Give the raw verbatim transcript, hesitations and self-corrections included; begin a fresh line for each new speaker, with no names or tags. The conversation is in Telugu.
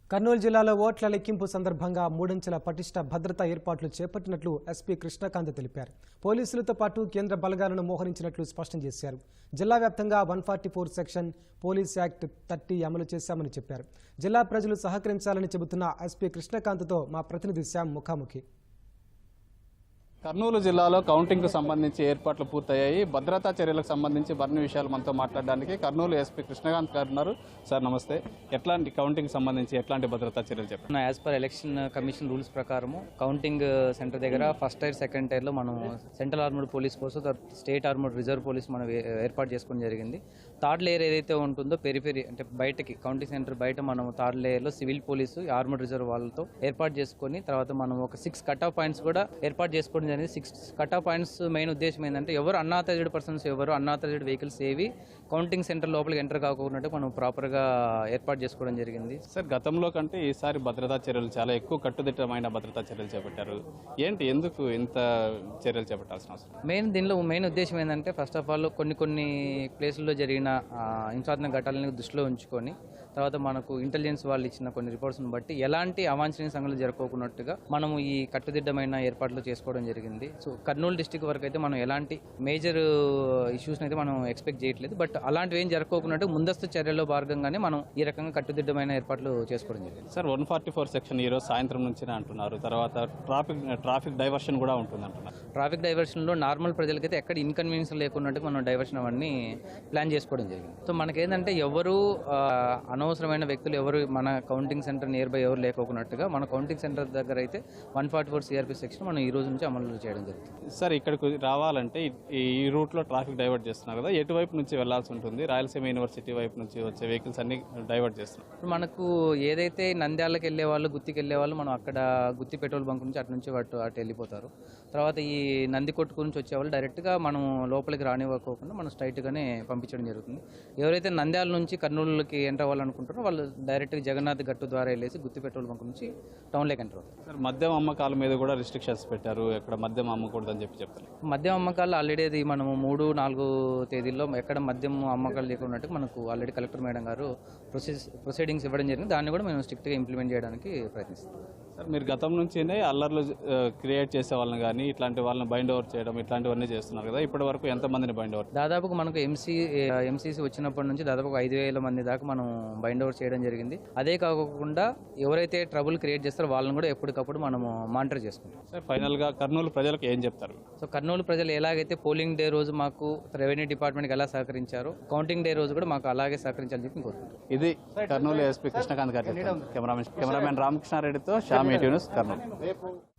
కర్నూలు జిల్లాలో ఓట్ల లెక్కింపు సందర్భంగా మూడంచెల పటిష్ట భద్రతా ఏర్పాట్లు చేపట్టినట్లు ఎస్పీ కృష్ణకాంత్ తెలిపారు. పోలీసులతో పాటు కేంద్ర బలగాలను మోహరించినట్లు స్పష్టం చేశారు. జిల్లా వ్యాప్తంగా one forty four section police act thirty అమలు చేశామని చెప్పారు. జిల్లా ప్రజలు సహకరించాలని చెబుతున్న ఎస్పీ కృష్ణకాంత్తో మా ప్రతినిధి శ్యామ్ ముఖాముఖి.
కర్నూలు జిల్లాలో కౌంటింగ్ కు సంబంధించి ఏర్పాట్లు పూర్తయ్యాయి. భద్రతా చర్యలకు సంబంధించి మరిన్ని విషయాలు మనతో మాట్లాడడానికి కర్నూలు ఎస్పీ కృష్ణకాంత్ గారు ఉన్నారు. సార్ నమస్తే. ఎట్లాంటి కౌంటింగ్ సంబంధించి ఎట్లాంటి భద్రతా చర్యలు చెప్పండి.
As per election commission rules ప్రకారము కౌంటింగ్ సెంటర్ దగ్గర ఫస్ట్ టైర్ సెకండ్ టైర్లో మనం central armoured police force state armoured reserve police మనం ఏర్పాటు చేసుకోవడం జరిగింది. థర్డ్ లేయర్ ఏదైతే ఉంటుందో పెరిఫెరీ అంటే బయటకి కౌంటింగ్ సెంటర్ బయట మనం థర్డ్ లేయర్లో సివిల్ పోలీసు ఆర్మర్డ్ రిజర్వ్ వాళ్ళతో ఏర్పాటు చేసుకొని తర్వాత మనం ఒక సిక్స్ కట్ ఆఫ్ పాయింట్స్ కూడా ఏర్పాటు చేసుకోవడం జరిగింది. Six cut off points main ఉద్దేశం ఏంటంటే ఎవరు అన్ఆథరైజ్డ్ పర్సన్స్ ఎవరు అన్ఆథరైజ్డ్ వెహికల్స్ ఏవి కౌంటింగ్ సెంటర్ లోపలికి ఎంటర్ కాకుండా మనం ప్రాపర్గా ఏర్పాటు చేసుకోవడం జరిగింది.
సార్ గతంలో కంటే ఈసారి భద్రతా చర్యలు చాలా ఎక్కువ కట్టుదిట్టమైన భద్రతా చర్యలు చేపట్టారు. ఏంటి ఎందుకు ఇంత చర్యలు చేపట్టాల్సిన అవసరం?
మెయిన్ దీనిలో మెయిన్ ఉద్దేశం ఏంటంటే ఫస్ట్ ఆఫ్ ఆల్ కొన్ని కొన్ని ప్లేసుల్లో జరిగిన హింసాత్మక ఘటనలను దృష్టిలో ఉంచుకొని తర్వాత మనకు ఇంటెలిజెన్స్ వాళ్ళు ఇచ్చిన కొన్ని రిపోర్ట్స్ని బట్టి ఎలాంటి అవాంఛనీయ సంఘటనలు జరగకున్నట్టుగా మనము ఈ కట్టుదిట్టమైన ఏర్పాట్లు చేసుకోవడం జరిగింది. సో కర్నూలు డిస్టిక్ వరకు అయితే మనం ఎలాంటి మేజర్ ఇష్యూస్ని అయితే మనం ఎక్స్పెక్ట్ చేయట్లేదు. బట్ అలాంటివి ఏం జరగకోకున్నట్టు ముందస్తు చర్యల్లో భాగంగానే మనం ఈ రకంగా కట్టుదిట్టమైన ఏర్పాట్లు చేసుకోవడం జరిగింది.
Sir one forty four section ఈరోజు సాయంత్రం నుంచి అంటున్నారు. తర్వాత ట్రాఫిక్ ట్రాఫిక్ డైవర్షన్ కూడా ఉంటుంది అంటున్నారు.
ట్రాఫిక్ డైవర్షన్లో నార్మల్ ప్రజలకైతే ఎక్కడ ఇన్కన్వీనియన్స్ లేకున్నట్టు మనం డైవర్షన్ అవన్నీ ప్లాన్ చేసుకోవడం జరిగింది. సో మనకేంటంటే ఎవరు అనవసరమైన వ్యక్తులు ఎవరు మన కౌంటింగ్ సెంటర్ నియర్ బై ఎవరు లేకోకున్నట్టుగా మన కౌంటింగ్ సెంటర్ దగ్గర అయితే one forty four CRP section మనం ఈ రోజు నుంచి అమలు చేయడం జరుగుతుంది.
సార్ ఇక్కడికి రావాలంటే ఈ రూట్లో ట్రాఫిక్ డైవర్ట్ చేస్తున్నారు కదా, ఎటువైపు నుంచి వెళ్లాల్సి ఉంటుంది? రాయలసీమ యూనివర్సిటీ వైపు నుంచి వచ్చే వెహికల్స్ అన్ని డైవర్ట్ చేస్తున్నారు.
ఇప్పుడు మనకు ఏదైతే నంద్యాలకు వెళ్ళే వాళ్ళు గుత్తికి వెళ్ళే వాళ్ళు మనం అక్కడ గుత్తి పెట్రోల్ బంక్ నుంచి అటు నుంచి అటు అటు వెళ్ళిపోతారు. తర్వాత ఈ నంది కొట్టుకు నుంచి వచ్చేవాళ్ళు డైరెక్ట్గా మనం లోపలికి రానివ్వకోకుండా మనం స్ట్రైట్గానే పంపించడం జరుగుతుంది. ఎవరైతే నంద్యాల నుంచి కర్నూలుకి ఎంటర్ అవ్వాలనుకుంటారో వాళ్ళు డైరెక్ట్గా జగన్నాథ్ గట్టు ద్వారా వెళ్ళేసి గుత్తి పెట్రోల్ బంక్ నుంచి టౌన్లోకి ఎంటర్ అవుతారు.
సార్ మద్యం అమ్మకాల మీద కూడా రిస్ట్రిక్షన్స్ పెట్టారు. ఎక్కడ మద్యం అమ్మకూడదని చెప్పి చెప్తారు.
మద్యం అమ్మకాలు ఆల్రెడీ అది మనము మూడు నాలుగు తేదీల్లో ఎక్కడ మద్యం అమ్మకాలు లేకున్నట్టు మనకు ఆల్రెడీ కలెక్టర్ మేడం గారు ప్రొసీస్ ప్రొసీడింగ్స్ ఇవ్వడం జరిగింది. దాన్ని కూడా మేము స్ట్రిక్ట్గా ఇంప్లిమెంట్ చేయడానికి ప్రయత్నిస్తాం.
సార్ మీరు గతం నుంచినే అల్లర్లు క్రియేట్ చేసే వాళ్ళని కానీ ఇట్లాంటి వాళ్ళని బైండ్ ఓవర్ చేయడం ఇట్లాంటివన్నీ చేస్తున్నారు కదా, ఇప్పటి వరకు ఎంతమందిని బైండ్ ఓవర్?
దాదాపుగా మనకు ఎంసీ ఎంసీసీ వచ్చినప్పటి నుంచి దాదాపు ఐదు వేల మంది దాకా మనం బైండ్ ఓవర్ చేయడం జరిగింది. అదే కాకుండా ఎవరైతే ట్రబుల్ క్రియేట్ చేస్తారో వాళ్ళని కూడా ఎప్పటికప్పుడు మనము మానిటర్ చేసుకుంటాం.
సార్ ఫైనల్గా కర్నూలు ప్రజలకు ఏం చెప్తారు?
సో కర్నూలు ప్రజలు ఎలాగైతే పోలింగ్ డే రోజు మాకు రెవెన్యూ డిపార్ట్మెంట్కి ఎలా సహకరించారో కౌంటింగ్ డే రోజు కూడా మాకు అలాగే సహకరించాలని చెప్పి కోరుకుంటాం.
ఇది Kurnool SP Krishnakanth garu. Cameraman cameraman రామకృష్ణారెడ్డితో శ్యామ్ న్యూస్ కర్నూలు.